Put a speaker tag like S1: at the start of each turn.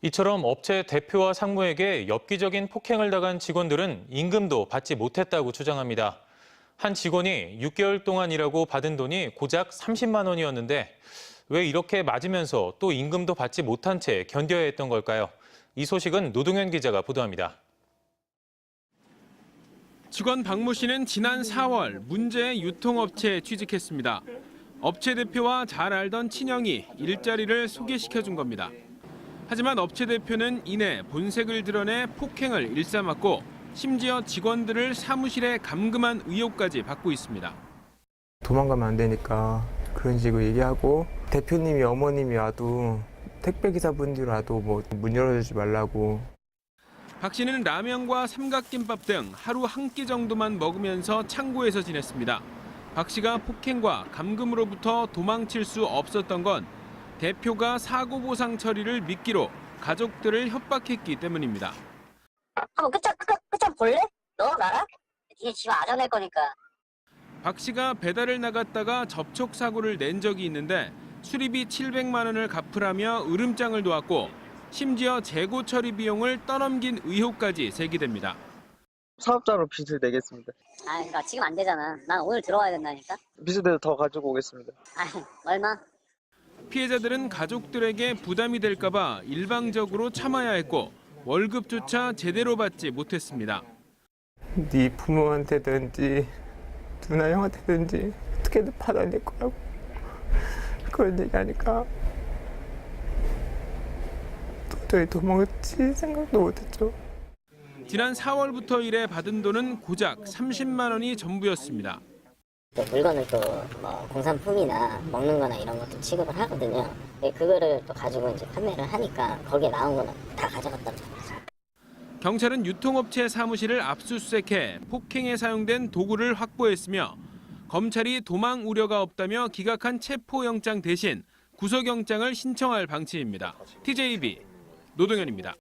S1: 이처럼 업체 대표와 상무에게 엽기적인 폭행을 당한 직원들은 임금도 받지 못했다고 주장합니다. 한 직원이 6개월 동안 일하고 받은 돈이 고작 30만 원이었는데 왜 이렇게 맞으면서 또 임금도 받지 못한 채 견뎌야 했던 걸까요? 이 소식은 노동현 기자가 보도합니다.
S2: 직원 박모 씨는 지난 4월 문제의 유통업체에 취직했습니다. 업체 대표와 잘 알던 친형이 일자리를 소개시켜준 겁니다. 하지만 업체 대표는 이내 본색을 드러내 폭행을 일삼았고 심지어 직원들을 사무실에 감금한 의혹까지 받고 있습니다.
S3: 도망가면 안 되니까 그런 식으로 얘기하고 대표님이 어머님이 와도 택배기사분들이 와도 뭐 문 열어주지 말라고.
S2: 박 씨는 라면과 삼각김밥 등 하루 한 끼 정도만 먹으면서 창고에서 지냈습니다. 박 씨가 폭행과 감금으로부터 도망칠 수 없었던 건 대표가 사고 보상 처리를 미끼로 가족들을 협박했기 때문입니다.
S4: 한번 끝장 볼래? 너 나랑? 니네 집 아전할 거니까.
S2: 박 씨가 배달을 나갔다가 접촉 사고를 낸 적이 있는데 수리비 700만 원을 갚으라며 으름장을 놓았고 심지어 재고 처리 비용을 떠넘긴 의혹까지 제기됩니다.
S5: 사업자로 빚을 내겠습니다.
S4: 그러니까 지금 안 되잖아. 난 오늘 들어와야 된다니까.
S5: 빚을 내서 더 가지고 오겠습니다.
S4: 얼마?
S2: 피해자들은 가족들에게 부담이 될까 봐 일방적으로 참아야 했고 월급조차 제대로 받지 못했습니다.
S3: 네 부모한테든지 누나 형한테든지 어떻게든 받아낼 거라고 그런 얘기하니까 도저히 도망칠 생각도 못했죠.
S2: 지난 4월부터 일해 받은 돈은 고작 30만 원이 전부였습니다.
S4: 또 물건을 또 뭐 공산품이나 먹는 거나 이런 것도 취급을 하거든요. 그거를 또 가지고 이제 판매를 하니까 거기에 나온 거는 다 가져갔다고 생각해요.
S2: 경찰은 유통업체 사무실을 압수수색해 폭행에 사용된 도구를 확보했으며 검찰이 도망 우려가 없다며 기각한 체포영장 대신 구속영장을 신청할 방침입니다. TJB 노동현입니다.